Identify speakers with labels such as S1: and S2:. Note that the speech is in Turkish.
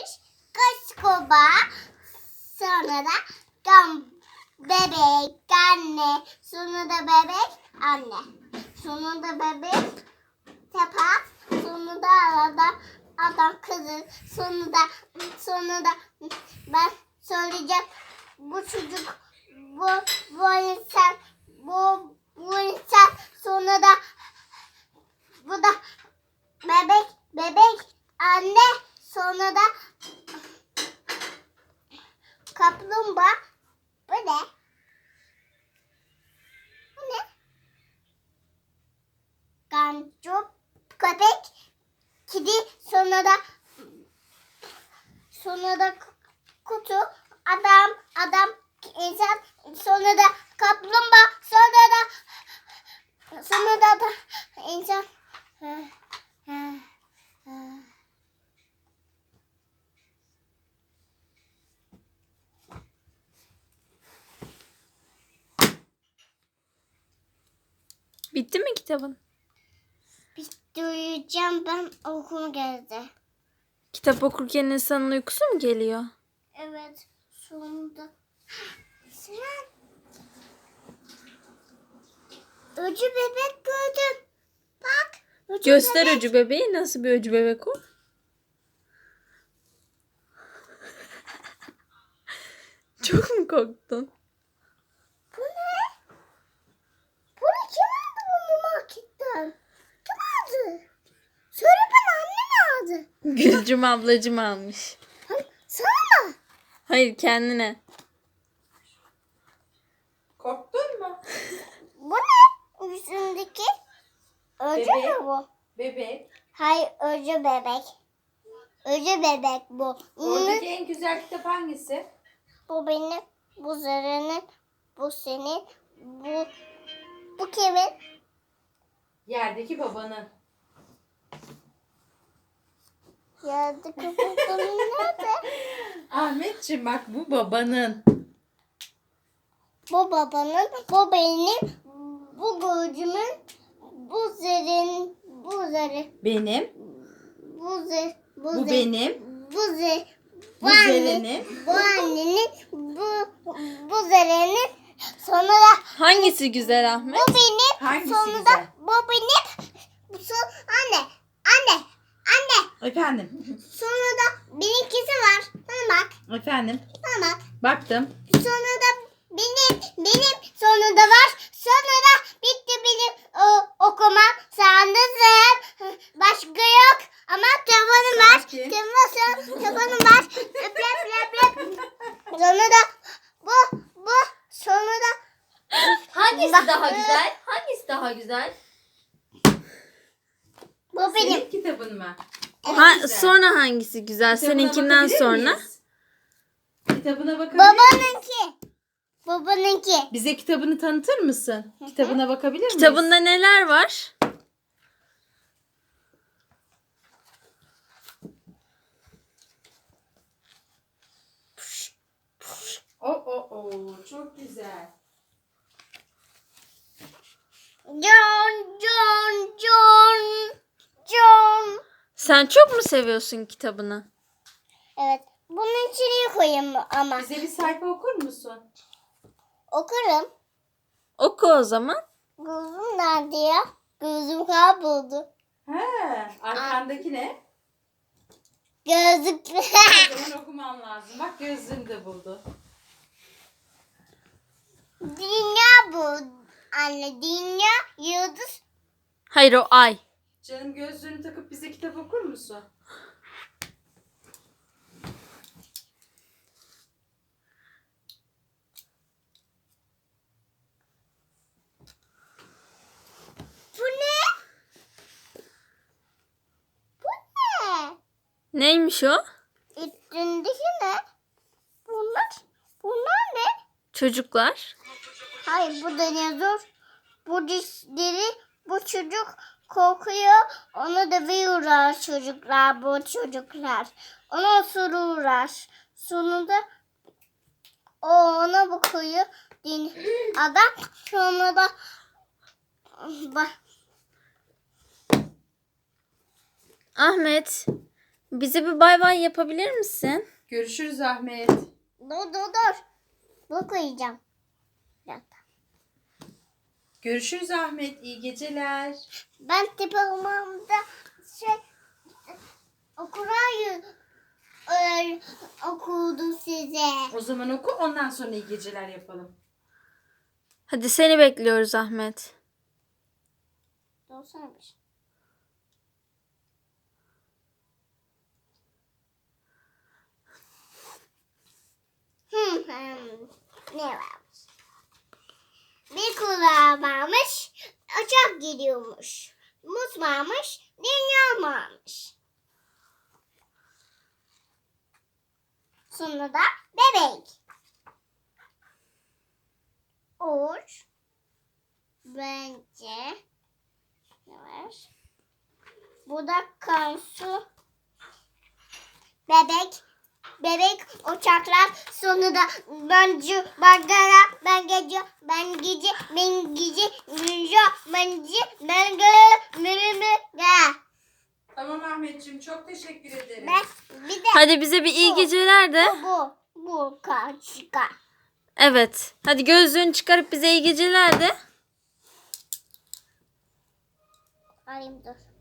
S1: varmış. Kaç kuba. Sonra da bebek, anne. Sonra da bebek, anne. Sonra da bebek, tepa. Sonra da adam kızı. Sonra da ben söyleyeceğim. Bu çocuk, bu insan, bu insan. Sonra da bu da bebek, anne. Sonra da kaplumbağa. Bu ne? Bu ne? Gancu, köpek, kedi, sonra da kutu, adam, insan, sonra da kaplumbağa, sonra da insan.
S2: Bitti mi kitabın?
S1: Bitireceğim, ben okuma geldi.
S2: Kitap okurken insanın uykusu mu geliyor?
S1: Evet, sonunda. Sinan. Öcü bebek gördüm. Bak.
S2: Göster
S1: bebek.
S2: öcü bebeği. Nasıl bir öcü bebek o? Çok mu korktun?
S1: Bu ne? Bunu kim aldı bunu marketten? Kim aldı? Söyle bana, anne aldı.
S2: Gülcüm ablacım almış.
S1: Sana mı?
S2: Hayır, kendine.
S3: Korktun mu?
S1: Bu ne? Üstündeki öcü
S3: Bebek.
S1: mü bu?
S3: Bebek.
S1: Hayır, öcü bebek. Öcü bebek bu.
S3: Oradaki en güzel kitap hangisi?
S1: Bu benim, bu Zara'nın, bu senin, bu kimin?
S3: Yerdeki babanın.
S1: Yerde kapatalım nerede?
S3: Ahmetciğim bak bu babanın.
S1: Bu babanın, bu benim, bu gözümün, bu Zara'nın, bu Zara,
S3: Benim.
S1: bu
S3: Benim.
S1: bu
S3: Bu
S1: annenin,
S3: Zeren'in.
S1: bu annenin, bu Zara'nın, sonra da
S2: Hangisi güzel Ahmet?
S1: bu benim,
S3: Hangisi
S1: sonra
S3: güzel?
S1: da bu benim, bu anne.
S3: Efendim.
S1: Sonra da benimkisi var. Bana bak.
S3: Efendim.
S1: Bana bak.
S3: Baktım.
S1: Sonra da benim sonra da var. Sonra da bitti benim okumam. Sandızım. Başka yok. Ama telefonum var.
S3: Sakin.
S1: Telefonum var. Öp. Sonra da bu. Sonra da
S4: Hangisi
S1: Bak.
S4: daha güzel? Hangisi daha güzel?
S1: bu benim.
S3: Senin kitabın mı?
S2: Ha,
S3: Güzel.
S2: sonra hangisi güzel?
S3: Kitabına
S2: Seninkinden
S3: bakabilir
S2: sonra.
S3: miyiz? Kitabına bakabilir miyiz?
S1: Babanınki.
S3: Bize kitabını tanıtır mısın? Kitabına bakabilir miyiz?
S2: Kitabında neler var?
S3: Çok güzel.
S1: John.
S2: Sen çok mu seviyorsun kitabını?
S1: Evet. Bunun içine koyayım ama.
S3: Bize bir sayfa okur musun?
S1: Okurum.
S2: Oku o zaman.
S1: Gözüm nerede ya? Gözüm kayboldu.
S3: He, arkandaki ne?
S1: Gözlük.
S3: O zaman okuman lazım. Bak gözlüğünü de buldu.
S1: Dünya bu. Anne, dünya, yıldız.
S2: Hayır, o ay.
S3: Canım gözlüğünü takıp bize kitap okur musun?
S1: Bu ne? Bu ne?
S2: Neymiş o?
S1: Üstündeki ne? Bunlar ne?
S2: Çocuklar.
S1: Hayır, bu dinozor. Bu dişleri, bu çocuk korkuyor. Onu dövüyorlar çocuklar, bu çocuklar. Onu osuruyorlar. Sonunda o ona bakıyor. Adam sonra da bak.
S2: Ahmet, Bize bir bay bay yapabilir misin?
S3: Görüşürüz Ahmet.
S1: Dur. Bu koyacağım.
S3: Görüşürüz Ahmet. İyi geceler.
S1: Ben diplomamda okudum size.
S3: O zaman oku, ondan sonra iyi geceler yapalım.
S2: Hadi seni bekliyoruz Ahmet.
S1: Doğsana bir şey. Ne varmış? Bir kulağı varmış, uçak gidiyormuş. Muz varmış, dünya varmış. Sonra da bebek. Uç. Bence. Ne var? Bu da kansu. Bebek. Bebek uçaklar sonunda bence bagara ben gece ben gece ben gece ben gece.
S3: Tamam Ahmetciğim, çok teşekkür ederim.
S1: Ben bir de
S2: Hadi bize bir iyi geceler de.
S1: bu kaçka.
S2: Evet. Hadi gözlüğünü çıkarıp bize iyi geceler de.
S1: Alayım dur.